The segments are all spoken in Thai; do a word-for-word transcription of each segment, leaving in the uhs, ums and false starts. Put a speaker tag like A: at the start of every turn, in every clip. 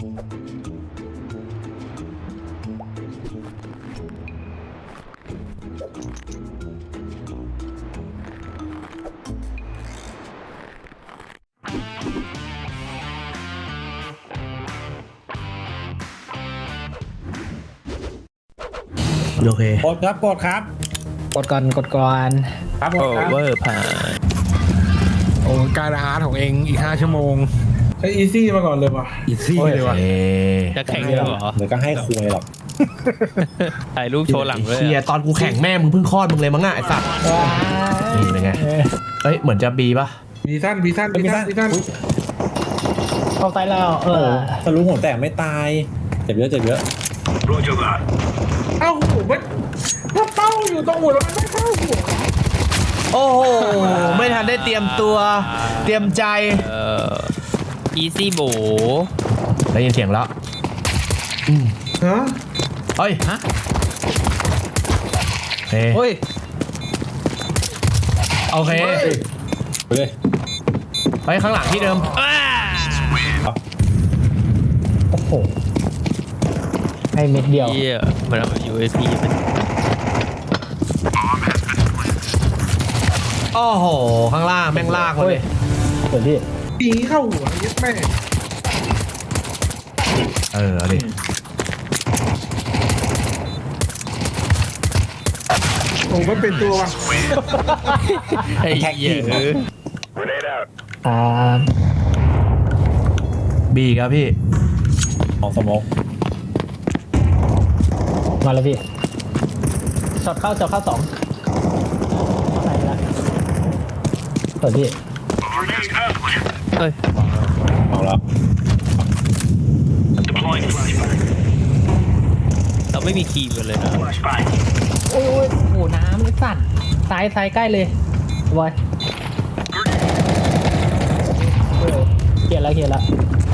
A: โอเค
B: กดครับกดครับ
C: กดก่อนกดก่อน
B: ครับกดครับ
A: เวอร์ผ่านโอ้การอาหารของเองอีกห้าชั่วโมง
D: ใช้อีซี่มาก่อนเลยว่ะ
A: อีซี่เลยว่ะ
E: จะแข่งเหรอ
B: เดี๋ยวก็ให้คุยหรอก
E: ถ่ายรูปโชว์หลังเลย
A: เชียตอนกูแข่งแม่มึงเพิ่งคลอดมึงเลยมั้งอ่ะไอ้สัตว์นี่เป็นไงเฮ้ยเหมือนจะบีป่ะ
D: บีสั้นบีสั้นบีสั้นบีสั้น
C: เข้าใต้แล้วเออ
B: ทะลุหัวแตกไม่ตายเจ็บเยอะเจ็บเยอะ
D: เอ้าหัวมันถ้าเป้าอยู่ตรงหัวแล้วมันไม่เข้าหัว
A: โอ้โหไม่ทันได้เตรียมตัวเตรียมใจ
E: เอ่ออีซี่โบ
A: ได้ยินเสียงแล้ว
D: ฮะ
A: เฮ้ยฮะเฮ้ยโอเค
B: ไปเลย
A: ไปข้างหลังที่เดิม
C: โอ้โหให้เม็ดเดียว
E: เยี่ยมันเอา ยู เอส พี เป็น
A: โอ้โหข้างล่างแม่งลากมาเลย
C: เดี๋ยวพี่
D: ปีเข้าหัวยัดแม่
A: เออเอาดิ
D: โอ้มันเป็นตัวว่ะ
E: ไอ้เหี้ย
C: อ่า
A: บีครับพี่
B: ของสมอง
C: มาแล้วพี่ช็อตเข้าช็อตเข้าสองไหนละเปิดพี่
E: เฮ้ย
B: เอาแล้ว
E: เราไม่มีคีย์กันเลยนะ
C: โอ้ยโหน้ำสั่นซ้ายซ้ายใกล้เลยบอยเขียนแล้วเขียนแล้ว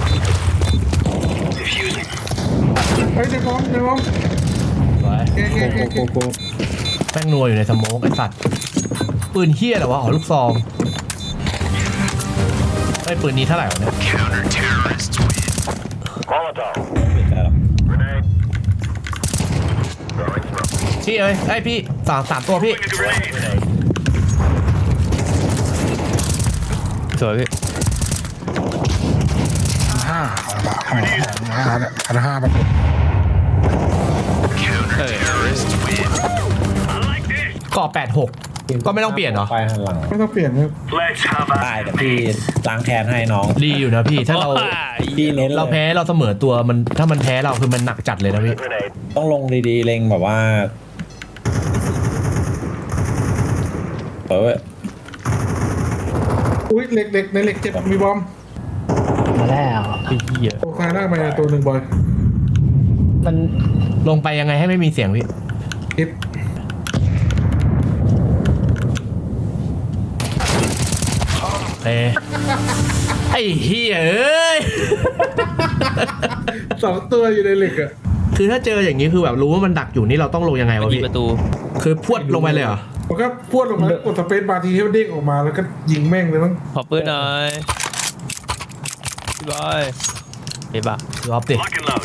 D: เฮ้ยเดี๋ยวพร้อมเดี๋ยวพร้อม
A: โกโกโกแป้งนัวอยู่ในสโมกไอ้สัตว์ปืนเฮี้ยเหรอวะอ๋อลูกซองไอ้ปืนนี้เท่าไหร่วะเนี่ยพี่เอ้ยไอ้พี่สามสามตัวพี่
E: สวยพี่
D: ห้าห้าห้าพันห้าแบบ
A: ก่อแปดหกก็ไม่ต้องเปลี่ยนเหรอ
B: ไปหันหลัง
D: ไม่ต้องเปลี่ยนครับ
B: ตายแต่พี่ล้างแค้นให้น้อง
A: ดีอยู่นะพี่ถ้าเรา
B: พี่เน้น
A: เราแพ้เราเสมอตัวมันถ้ามันแพ้เราคือมันหนักจัดเลยนะพี่
B: ต้องลงดีๆเล็งแบบว่าเปิด
D: อุ้ยเหล็กเหล็กในเหล็กเจ็บมีบอม
C: มาแล้ว
E: ไอ้เหี้ย
D: โอ้คาหน้ามาตัวหนึ่งบอย
C: มัน
A: ลงไปยังไงให้ไม่มีเสียงพี่
D: คิด
A: เอ้ไอ้เหี้ยเอ้ย
D: สองตัวอยู่ในเหล็กอะ
A: คือถ้าเจออย่างนี้คือแบบรู้ว่ามันดักอยู่นี่เราต้องลงยังไงวะพี่
E: ประตู
A: คือพวดลงไปเลยเหรอ
D: ผมก็พวดลงมากดสเปซบาร์ทีให้มันเด้งออกมาแล้วก็ยิงแม่งเลยมั้ง
E: ขอปืนหน่อยพี่บอยเฮ้ยบ้าร
A: อบดิ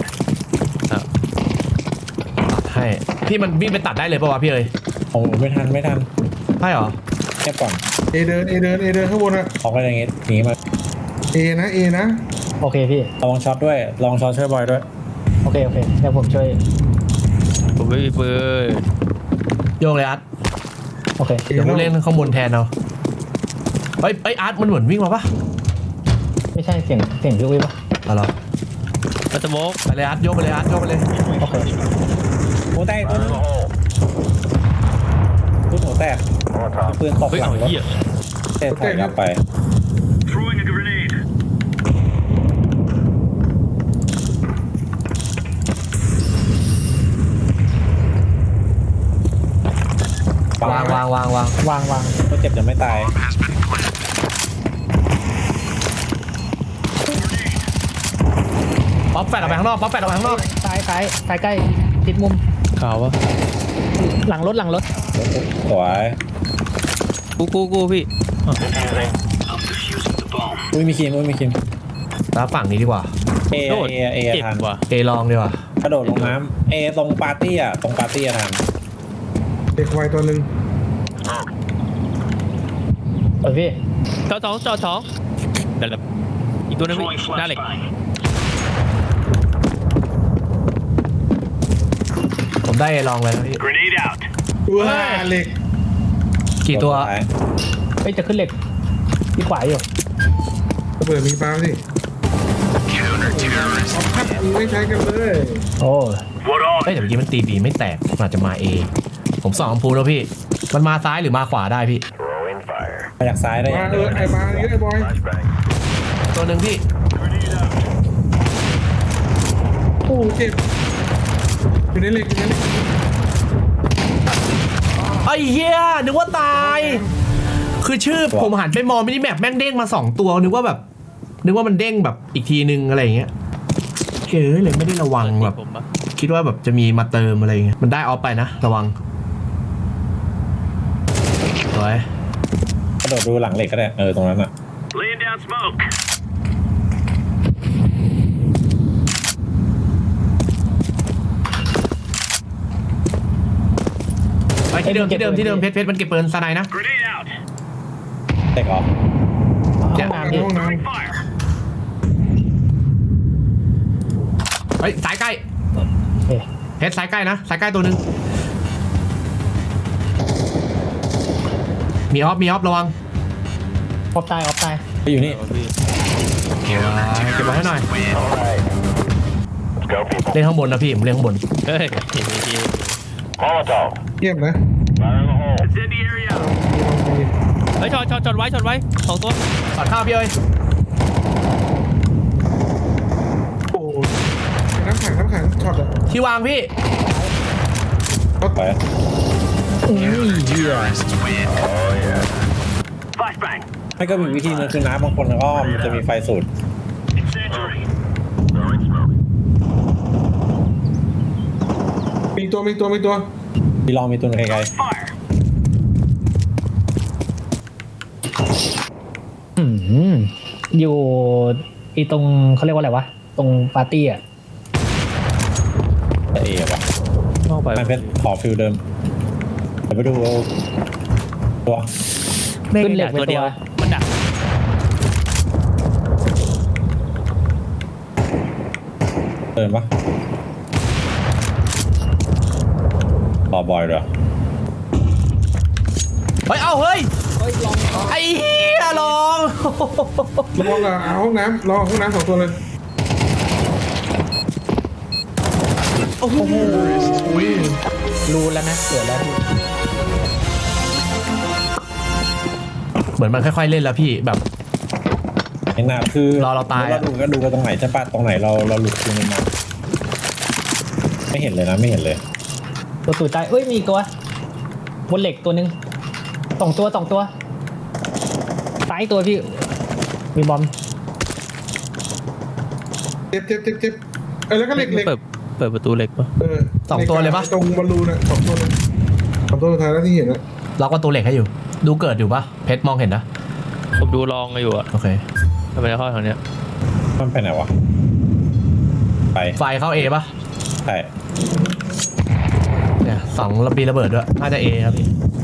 A: ให้พี่มันวิ่งไปตัดได้เลยป่าววะพี่เอ้ย
B: โอ้ไม่ทันไม่ทัน
A: ใช่เหรอ
B: แค่ก่อน
D: เอเดินเอเดินเอเดินข้างบนอะ
B: ออกไปอย่างงี้หนีมา
D: เอนะเอนะ
C: โอเคพี่
B: ลองช็อตด้วยลองช็อตช่วยบอยด้วย
C: โอเคโอเคเดี๋ยวผมช่วย
E: ผมไม่มีปืน
A: โยกเลยอาร์ต
C: โอเค
A: เดี๋ยวผมเล่นข้างบนแทนเอาเฮ้ยไออาร์ตมันเหมือนวิ่งมาปะ
C: ไม่ใช่เสียงเสียงพี่อุ้ยปะ
A: อะไร
E: มาสโมก
A: ไปเลยอาร์ตโยกไปเลยอาร์ตโยกไปเลย
C: โอเค
B: หัวแตกตัวนึงตัวหัวแตกปืนตกหลังรถเตะถ่ายไป
A: วางวางวางวาง
C: วางวาง
B: ก็เจ็บจะไม่ตาย
A: ป๊อปแปดออกไปข้างนอกป๊อปแปดออกไปข้างนอก
C: ซ้ายซ้ายซ้ายใกล้ติดมุม
E: ขาววะ
C: หลังรถหลังรถ
B: สวย
E: กูกูกูพี่
B: อุ้ยมีคิมอุ้ยมีคิม
A: แล้วฝั่งนี้ดีกว่า
B: เอ
E: โดด
B: เอเอ
E: เจ็บ
B: ทัน
E: ว่ะ
A: เอลองดีกว่าก
B: ระโดดลงน้ำเอตรงปาร์ตี้อ่ะตรงปาร์ตี้อะทัน
D: เด็กวัยตัวหนึ่ง
C: เปิดพี่
E: จอสองจอสองเดี๋ยวอีกตัวนึงพี่หน้าเหล็ก
A: ผมได้เอลองเลยนะพี่
D: ว้าเหล็ก
A: กี่ตัว
B: ท้าย
C: เฮ้ยจะขึ้นเหล็กที่ขวาอยู่
D: ระเบิดมีปลาสิเอาพัดไม่ใช้กันเลย
C: โอ้
A: เฮ้ยแต่เมื่อกี้มันตีบีไม่แตกมันอาจจะมาเอผมส่องอัมพูแล้วพี่ มันมาซ้ายหรือมาขวาได้พี่
B: มาจากซ้ายได้
D: มาเออไอ้ปลานี่ไอ้บอย
A: ตัวหนึ่งพี่
D: โอ้เจ็บอยู่ในเหล็กอยู่ในเหล็ก
A: ไอ้เหี้ยนึกว่าตาย คือชื่อผมหันไปมองมินิแมปแม่งเด้งมาสองตัวนึกว่าแบบ นึกว่ามันเด้งแบบอีกทีนึงอะไรอย่างเงี้ยเฮ้ยเลยไม่ได้ระวังแบบ
E: ผมปะ
A: คิดว่าแบบจะมีมาเติมอะไรอย่างเงี้ยมันได้ออฟไปนะระวังสวย
B: กระโดดดูหลังเหล็กก็ได้เออตรงนั้นอ่ะ
F: Laying down smoke.
A: ไปที่เดิมที่เดิมที่เดิมเพชรเพชรมันเก็บปืนสไนนะ
F: Grenade out.
B: เด็กออก
C: ห้องน้ำพี่
D: ห้องน้
F: Fire.
A: เฮ้ยสายใกล้
C: เอ๊ะ
A: เพชรสายใกล้นะสายใกล้ตัวหนึ่งมีออฟมีออฟระวัง
C: ออฟตายออฟตาย
B: ไปอยู่นี่
E: พี่
A: เก็บไว้ให้หน่อยเล่นข้างบนนะพี่ผมเล่นข้างบน
E: เฮ้ย
D: ำเยี่ยมนะ
F: Incendiary out.
E: เฮ้ยจอดจอดจอดไว้จอดไว้สองตัว
A: ตัดข้าวพี่เอ้ย
D: โอ้น้ำแข็งน้ำแข็งช็อตอะ
A: ที่วางพี่
B: ไป
F: Flashbang.
B: ไม่ก็มีวิธีนึงคือน้ำบางคนก็มันจะมีไฟสูตร
F: Incendiary.
D: มีตัวมีตัวมีตัว
B: มีลองมีตัวไกล
F: Fire.
C: อืมอยู่อีตรงเขาเรียกว่าอะไรวะตรงปาร์ตี้อ่ะ
B: ๆแต่เอวะ
E: นอกไป
B: มันเป็นขอฟิลเดิมเดี๋ยวไปดูตัว
C: ขึ้นเหล็กไป
E: ตัวเดี
C: ตั
E: ยว
C: ว
E: มันดัก
B: เดินปะรอบอยด้วย
A: เฮ้ย เอาเฮ้ย ไอ้เหี้ยลอง
D: ระวังอะเอาห้องน้ำรอห้องน้ำสองตัวเลย
A: โอ้โห
C: รู้แล้วนะเกิดแล้วพี่
A: เหมือนมันค่อยๆเล่นแล้วพี่แบบ
B: ไอ้หน้าคือ
A: รอเราตายอะ
B: เราดูก็ดูกันตรงไหนใช่ปะตรงไหนเราเราหลุดคือมันมาไม่เห็นเลยนะไม่เห็นเลย
C: ตัวตุ๋ยตายเอ้ยมีอีกตัวบนเหล็กตัวหนึ่งสองตัวสองตัวซ้ายตัวพี่มีบอม
D: เจ็บเจ็บเจ็บเจ็บเออแล้วก็เหล็กเหล็ก
E: เปิดเปิดประตูเหล็กปะ
D: เออ
A: สองตัวเลยปะ
D: ตรงบอลลูนอะสองตัวเลยสองตัวสุดท้ายแล้วที่เห็นอะ
A: ล็อกประตูเหล็กให้อยู่ ดูเกิดอยู่ปะเพชรมองเห็นนะ
E: ผมดูลองอยู่อะ
A: โอเค
E: ทำไมเข้าทางเนี้ย
B: มันไปไหนวะไป
A: ไฟเข้าเอปะ
B: ใช่
A: เนี่ยสองระบีระเบิดด้วยน่าจะเอครับพี่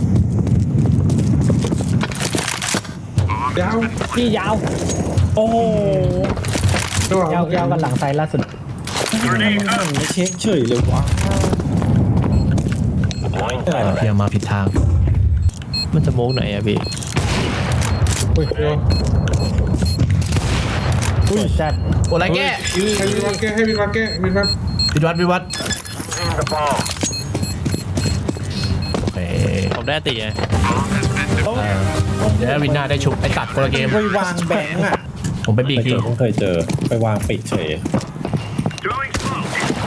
D: ยาว
C: พี่ยาว
B: โอ้โห
D: ระหว่าง
C: ยาวยาวกันหลังไซด์ล่าสุด
B: มันไม่เช็คเฉยเลยวะอะไรวะ
A: เพียงมาผิดทาง
E: มันจะโมกไหนอะพี่
D: เฮ้ยเดี๋ยว
C: อุ้ยจัด
A: โอ้ไรแก้
D: ให้วินวัดแก้ให้วินวัดแก้วินวัด
A: วิวัดวิวัดโอเค
E: ผมได้ตีไง
A: เออเดี๋ยววินหน้าได้ชุบไอ้ตัดคนละเกม
B: ไปวางแบงค์อ่ะ
A: ผมไปบี
B: เค
A: ก
B: ยเจ
A: ที
B: อผมเคยเจอไปวางปิดเฉย
F: Throwing smoke.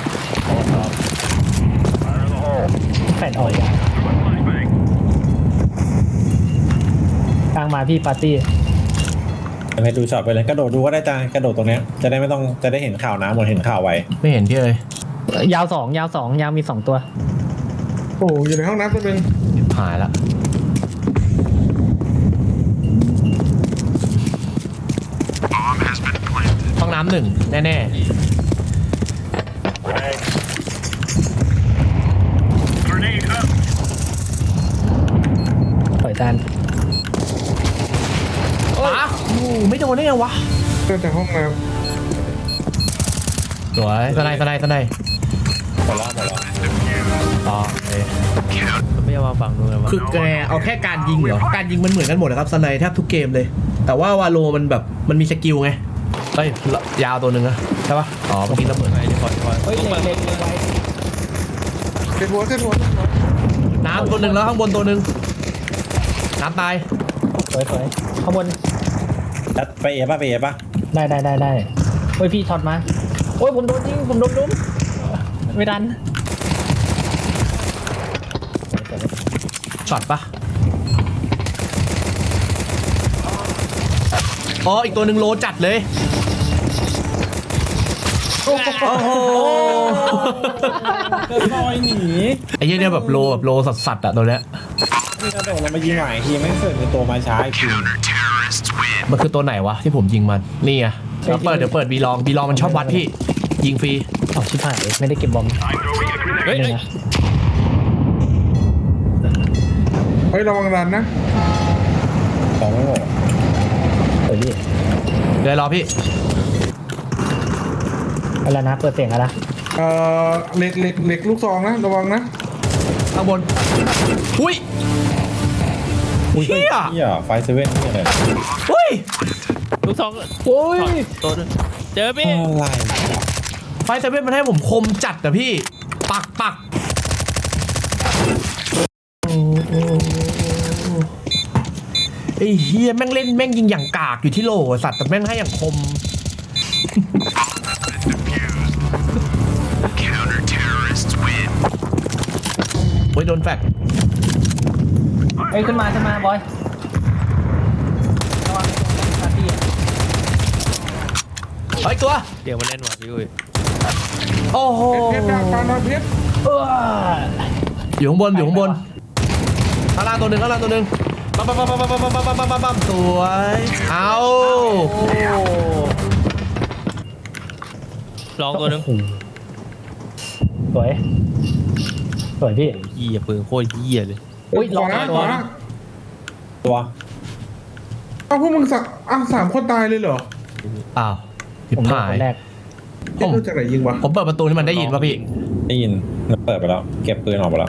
C: แฟดออก
F: Flashbang.
C: กลางมาพี่ปาร์ตี้
B: ให้ดูช็อตไปเลยกระโดดดูก็ได้จ้ากระโดดตรงเนี้ยจะได้ไม่ต้องจะได้เห็นข่าวน้ำเหมือนเห็นข่าวไว้
A: ไม่เห็นพี่เลย
C: ยาวสองยาวสองยาวมีสองตัว
D: โอ้อยู่ในห้องน้ำตัวหนึง
A: หายละห้องน้ำำหนึ่งแน่
F: Grenade up.
C: ปล่อยจาน
A: ๆป๋าโอ้ไม่โดนได้ไงวะ
D: เจอแต่ห้องน้
A: สวยสไนด์สไนด์สไนด์
B: หมดแล้วหมดแล้ว
A: อ๋อโอเค
E: ไม่ยอมมาฝั่งนู้นเลยวะ
A: คือแกเอาแค่การยิงเหรอ การยิงมันเหมือนกันหมดนะครับสไนด์แทบทุกเกมเลย แต่ว่าวาโลมันแบบมันมีสกิลไงเฮ้ยยาวตัวหนึ่งนะใช่ปะอ๋อเมื่อกี้ระเบิด
E: ไอ้นี่คอยคอย
C: เฮ้ย
E: ต้อง
C: เล็
E: เปิ
C: ก
E: ด
C: เล็กเล็กไว้
D: ำเป็นหัวเป็นหัวเป็นหัว
A: น้ำตัวหนึ่งแล้วข้างบนตัวหนึ่งน้ำตาย
C: สวยสวยข้างบน
B: แล้วไปเอป่ะไปเอป่ะ
C: ได้ได้ได้ได้เฮ้ยพี่ช็อตมาโอ้ยผมโดนยิงผมโดนดุ้มไม่ดัน
A: ช็อตปะอ๋ออีกตัวหนึ่งโลจัดเลยโอ้โห
B: ลอยหนี
A: ไอ้เหี้ยเนี่ยแบบโลแบบโลสัสๆอะตัวเนี้ย
B: นี่กระโดดลงมายิงหน่อยทีไม่เสร็จในตัวมาช้าอีกที
A: มันคือตัวไหนวะที่ผมยิงมันนี่ไงเดี๋ยวเปิดเดี๋ยวเปิดบีลองบีลองมันชอบวัดพี่ยิงฟรี
C: ออกชิบหายไม่ได้เก็บบอม
F: I'm throwing a grenade.
E: เฮ้ย
C: หนึ่
E: เฮ้ย
C: งนะ
D: เฮ้ยระวังรันนะ
B: ของไม่หมด
C: เฮ้ยพี่
A: เดี๋ยวรอพี่
C: เอาละนะเปิดเสียงแล้วนะ
D: เอ่อเหล็กเหล็กเหล็กลูกซองนะระวังนะ
A: ข้างบนอุ้ยเฮีย
B: เฮียไฟเซเว่นนี่เลย
A: อุ้ย
E: ลูกสอง
C: โอ้ย
E: ตัวนึงเจอพี่
B: อะไร
A: ไฟเซเว่นมันให้ผมคมจัดอะพี่ปักปักไอ้เฮียแม่งเล่นแม่งยิงอย่างกากอยู่ที่โหลสัตว์แต่แม่งให้อย่างคม โอ้ยโดนแฟด
C: เอ้ยขึ้นมาขึ้นมาบอยระวังตาพี่อะ
A: เฮ้ยตัว
E: เดี๋ยวมาเล่นว่ะพี่อุ้ย
A: โอ้โห
D: เพชรดาบปานเพชร
C: เออ
A: อยู่ข้างบนอยู่ข้างบนข้างล่างตัวหนึ่งข้างล่างตัวหนึ่งปั๊มปั๊มปั๊มปั๊มปั๊มปั๊มปั๊มปั๊มปั๊มปั๊มสวยเอา
C: โอ้
E: ลองตัวนึง
C: สวยสวยพี่
E: เหี้ยปืนโคตรเหี้ยเลย
C: อุ้ย
D: ข
C: ลอ
D: วาง นะ
C: ตั
D: ข
C: ว
D: วานะ
B: ตัว
D: เอาพวกมึงสักอ่ะสามคนตายเลยเหรอ
A: อ้าวผิด
C: ผมโดน
A: ผา
C: ค
A: ย
C: นแรก
D: เอ๊ะรู้จากไหนยิงวะ
A: ผมเปิดประตูนี่มันได้ยินป่ะพี่
B: ได้ยินมันเปิดไปแล้ว เก็บปืนออกไปแล้ว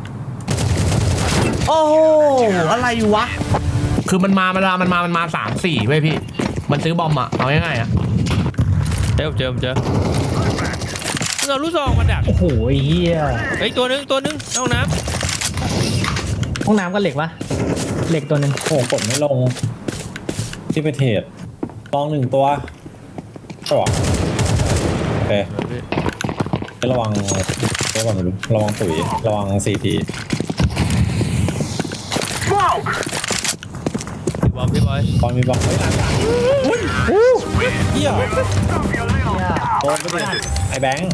A: โอ้โหอะไรวะ คือมันมามันมามันมามันมาสามสี่เว้ยพี่ มันซื้อบอมอะเอาง่ายๆอะ
E: เจอผมเจอผมเจอมึงเอาลูกซองมาดัก
C: โอ้โหเฮีย
E: เฮ้ยตัวนึงตัวนึงในห้องน้
C: ห้องน้ำก็เหล็กปะเหล็กตัวหนึ่ง
B: โอ้กดไม่ลง ที่ไปเทรดลองหนึ่งตัวก็บอกโอเค
E: ำ
B: ระวังระวังไม่รู้ระวังตุ๋ยระวังซีที
F: Smoke.
E: พี่บอมพี่บอย
B: ตอนมีบอกเฮ้ยหลังหลังเฮีย
F: Stop your little down.
B: โดนไปดิไอ้แบงค์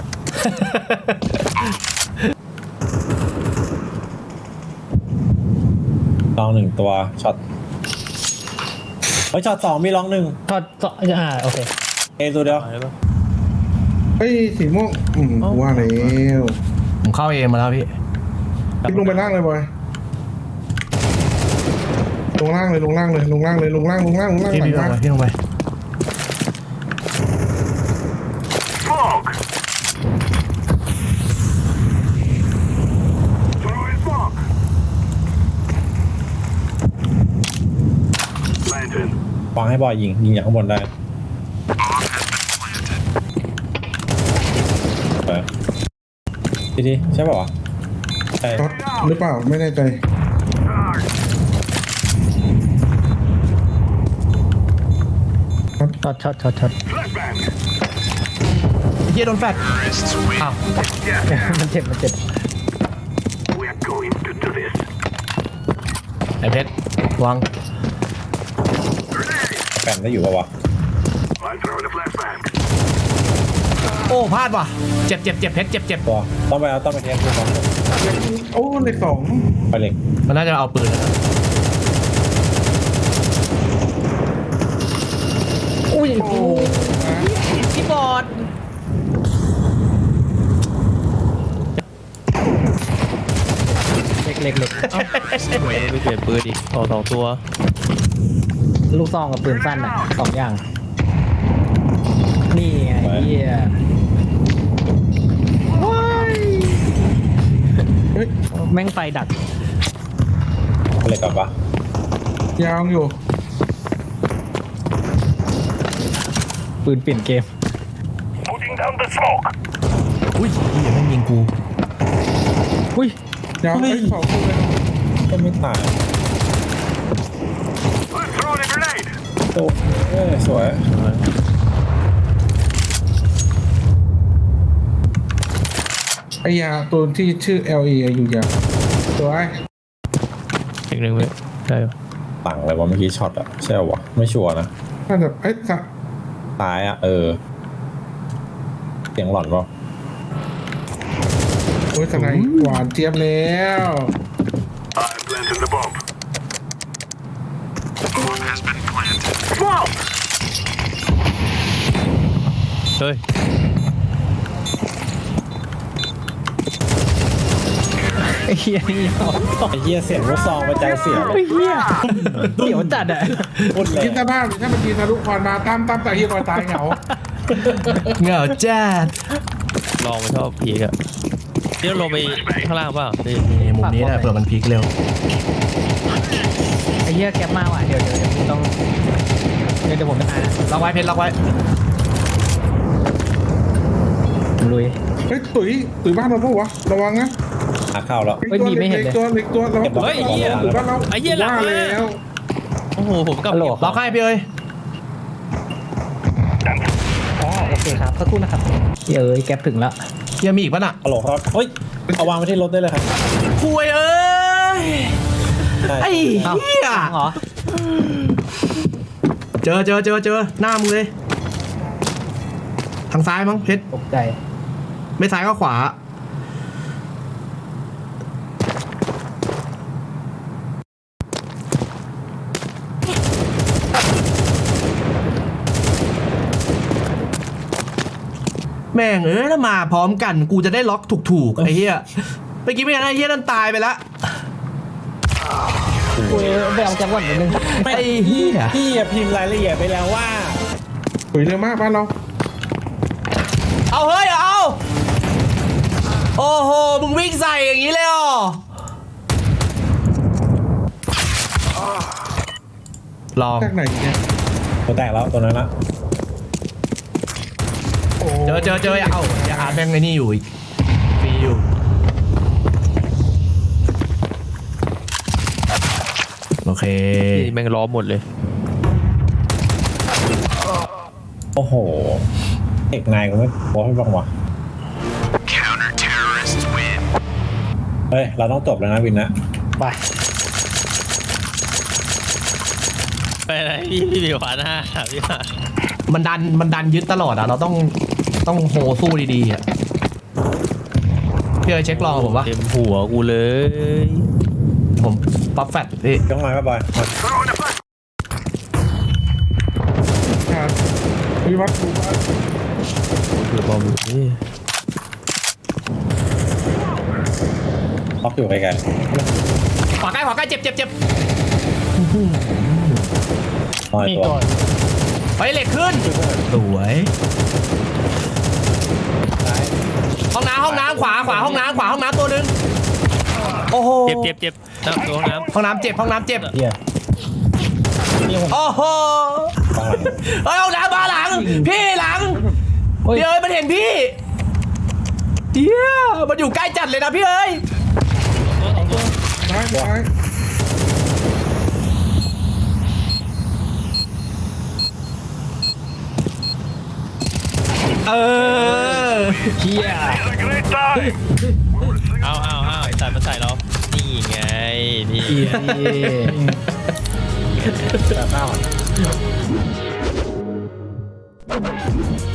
B: ลองหนึ่งตัวช็อตเฮ้ยช็อตสองมีลองหนึ่ง
C: ทอดทอดอ่าโอเค
B: เอตัวเดียว
E: เอาได้ปะ
D: เฮ้ยสีม่วงอืมกูว่าแล้ว
A: ผมเข้าเอมาแล้วพี่
D: คิดลงไปล่างเลยบอยลงล่างเลยลงล่างเลยลงล่างเลยลงล่างลงล่างลงล่าง
A: พี่
D: หลั
A: พี่
D: ง
A: ลง
D: มา
A: ไปพี่ลงไป
F: Smoke. Throwing smoke. Lantern.
B: วางให้บอยยิงยิงจากข้างบนได้ไปดีดีใช่ป่าวะใช่
D: ช็อตหรือเปล่าไม่แน่ใจ
F: Charge.
C: ช็อตช็อตช็อตช็อต
F: Flashbang.
A: เฮียโดนแฟดอ้าว
F: Yeah.
C: มันเจ็บมันเจ็บ
F: We're going to do this.
A: ไอเพชรวาง
F: Grenade.
B: แปมได้อยู่ป่าวะ
F: I'm throwing a flashbang.
A: โอ้พลาดว่ะเจ็บเจ็บเจ็บเพชรเจ็บเจ็บ
B: ตัวต้องไปเอาต้องไปเทสดูก่อน
D: โอ้เหล็กสอง
B: ไปเหล็ก
A: มันน่าจะเอาปืนแล้วนะ
C: อุ้ย
D: โอ้นะ
A: คีย์บอร์ด
C: เล็กเล็กเล็ก
E: เว้ยไม่เปลี่ยนปืนอีกออกสองตัว
C: ลูกซองกับปืนสั้นอ่ะสองอย่าง นี่ไงเฮีย
D: เฮ้ย
C: แม่งไฟดัก
B: อะไรกับปะ
D: ยาวอยู่
C: ปืนเปลี่ยนเกม
F: Putting down the smoke.
A: อุ้ยเฮียแม่งยิงกู
C: อุ้ย
D: ยาวไอ้ยเผากูเลย
B: ก็ไม่ตาย
F: Let's throw in a grenade.
B: โอ้เอ้ยสวย
D: ไอ้ยาตัวที่ชื่อ แอล อี อยู่ยาวตัวไอ้
E: อีกหนึ่งเว้ยได้ปะ
B: ต่างอะไรวะเมื่อกี้ช็อตอะใช่ปะวะไม่ชัวร์นะ
D: น่าจะไอ้ยสัก
B: ตายอะเออเสียงหลอนปะ
D: โอ้ยสไนด์หวานเจี๊ยบแล้ว
F: I'm planting the bomb. The bomb has been planted. Smoke!
E: เฮ้ย
C: ไอ้เฮียนี่เอา
B: ไอ้เหี้ยเสียงลูกซองมาใจเสียเลย
C: ไอ้เฮียเดี๋ยวจัดอ่ะ
B: พูดเลย
D: คิดสภาพดิถ้ามันยิงทะลุควันมาตั้มตั้มแต่เฮียคอยตายเหงา
A: เหงาจัด
E: ลองไปชอบพีกอะนี่เราลงไปข้างล่างเปล่านี่
A: นี่มุมนี้แหละเผื่อมันพลิกเร็ว
C: ไอ้เฮียแคปมาว่ะเดี๋ยวเดี๋ยวเดี๋ยวผมต้องเดี๋ยวเดี๋ยวผมจะอ่าน
A: ล็อกไว้เพชรล็อกไว้
C: ผมลุย
D: เฮ้ยตุ๋ยตุ๋ยบ้านเราปะวะระวังนะ
B: หาข้าวแล้ว
C: เฮ้ยมีไม่เห็นเลย
D: ตัวเล็กตัวเรา
B: เฮ้ยไอ้เหี้ย
D: ตุ๋ยบ้านเรา
E: ไอ้เหี้ยหลัง
D: ว่า
E: เลย
D: แล้ว
E: โอ้โหผมกลับ
C: ฮัลโหล
A: ล็อกให้พี่เอ้ย
C: อ๋อโอเคครับสักครู่นะครับเอ้ยแก๊ปถึงแล้ว
A: เฮียมีอีกปะน่ะ
B: ฮัลโหลครับเฮ้ยเอาวางไว้ที่รถได้เลยครับ
A: คุยเอ้ย
B: ใช่
A: ไอ้เฮีย
C: เหรอ
A: เจอเจอเจอเจอหน้ามึงเลย ทางซ้ายมั้งเพชร
C: ตกใจ
A: ไม่ซ้ายก็ขวา แม่งเอ้ยถ้ามาพร้อมกันกูจะได้ล็อกถูกๆไอ้เหี้ยเมื่อกี้ไม่งั้นไอ้เหี้ยนั่นตายไปละ
C: กูไปเอาจังหวัดนิดนึง
A: ไอ้เหี้ย
B: พี่อะพิมพ์รายละเอียดไปแล้วว่า
D: ตุ๋ยเร็วมากบ้านเรา
A: เอาเฮ้ยเอาโอ้โหมึงวิ่งใส่อย่างนี้เลยเหรอลอง
D: จากไหนเนี่ย
B: ตัวแตกแล้วตัวนั้นละ
D: โอ้
A: เจอเจอเจออย่าเอาอย่าอาแม่งไอ้นี่อยู่อีกฟรีอยู่โอเค
E: นี่แม่งล้อมหมดเลย
B: โอ้โหเอกนายก็ไม่บอกให้บ้างวะ
F: Counter terrorists win.
B: เฮ้ยเราต้องจบแล้วนะวินนะ
C: ไป
E: ไปไหนพี่พี่มีขวานห้าพี่มา
A: มันดันมันดันยึดตลอดอ่ะเราต้องต้องโหสู้ดีๆอ่ะพี่เอ๋เช็คลองผมว่า
E: เต็มหัวกูเลย
A: ผมปั๊บแฟตพี่
B: ต้องมาไหมบอยมา
F: Throw in a flash.
D: ขาดวิวัฒน์ดูบ้าน
E: เกือบบอมอยู่นี่
B: ล็อกอยู่ไกล
A: ขวาใกล้ขวาใกล้เจ็บเจ็บเจ็บ
B: ๆน้อย
C: มี
B: ตัว
C: ตัว
A: ไปเหล็กขึ้นสวยห้องน้ำห้องน้ำขวาขวาห้องน้ำขวาห้องน้ำตัวหนึงโอ้โห
E: เจ็บเจ็บเจ็บน้ำตัวน้ำ
A: ห้องน้ำเจ็บห้องน้ำเจ็บ
C: เฮียนี่ผม
A: โอ้โห
B: ข้างหลัง
A: เฮ้ยห้องน้ำมาหลังพี่หลัง
C: เฮ้ย
A: พี่เอ้ยมันเห็นพี่เฮียมันอยู่ใกล้จัดเลยนะพี่เอ้ย
D: ซ้ายซ้าย
A: เออ
C: เฮีย
F: The grenade die.
E: เอาเอาเอาไอ้สัตว์มาใส่เรานี่ไงนี่
C: เฮีย
B: แต่ข้าว